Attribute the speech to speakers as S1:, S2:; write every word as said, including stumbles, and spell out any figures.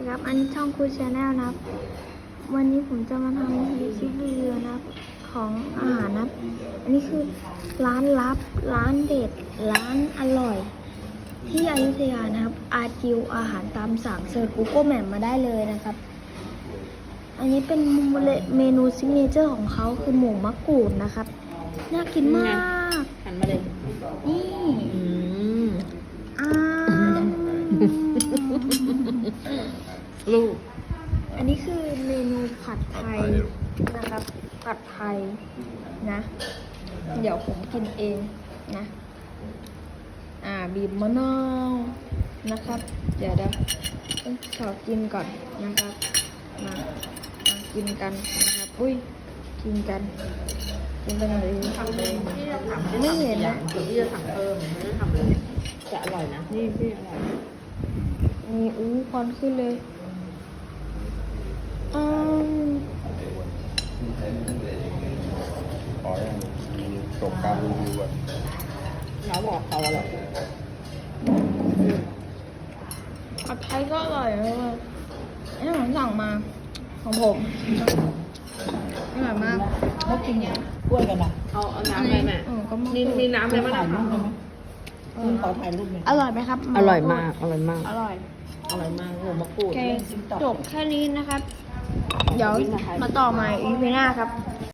S1: ครับอันนี้ช่องคูชาแนลนะครับวันนี้ผมจะมาทำรีวิวรีวิวนะครับของอาหารนะครับอันนี้คือร้านลับร้านเด็ดร้านอร่อยที่อยุธยานะครับอาจิวอาหารตามสั่งเซิร์ช Google Map มาได้เลยนะครับอันนี้เป็นเมนูซิกเนเจอร์ของเขาคือหมูมะกรูดนะครับน่ากินมาก
S2: หันมาเลย
S1: นี่อ่า
S2: ลูก
S1: อันนี้คือเมนูผัดไทยนะครับผัดไทยนะเดี๋ยวผมกินเองนะอ่าบีบมะนาวนะครับเดี๋ยวเดี๋ยวขอกินก่อนนะครับมามากินกันนะครับอุ้ยกินกันกินไปหน่อย
S2: ทำเลยที่จะทำ
S1: ไม่เห็นนะ
S2: เดี๋ยวพี่จะสั่งเพิ่มไม่ได้ทำเลยจะอร่อยนะนี่พี่อร่อย
S1: มีอู้ควันขึ้นเลยอืม
S3: ขออย่างจบการรีวิวอ่ะ
S2: เขาบอกเขาอร่อย
S1: ผัดไทยก็อร่อยเลยอันนี้ผมสั่งมาของผมอร่อยมากเขากินเนี่ย
S4: กล้วยกันอ่ะ
S2: เอาเอาน้ำอะไรแม่
S1: เออก็มาก
S2: นี่นี่น้ำอะไรมาหน่อย
S4: รูปได้ไหมคุณขอถ่ายรูปหน่อย
S1: อร่อยไหมครับ
S2: อร่อยมากอร่อยมาก
S1: อร่อย
S2: อร่อยมากหมูมะกรู
S1: โอ
S2: ด
S1: เคจบแค่นี้นะครับ เดี๋ยวมาต่อใหม่อีพีหน้าครับ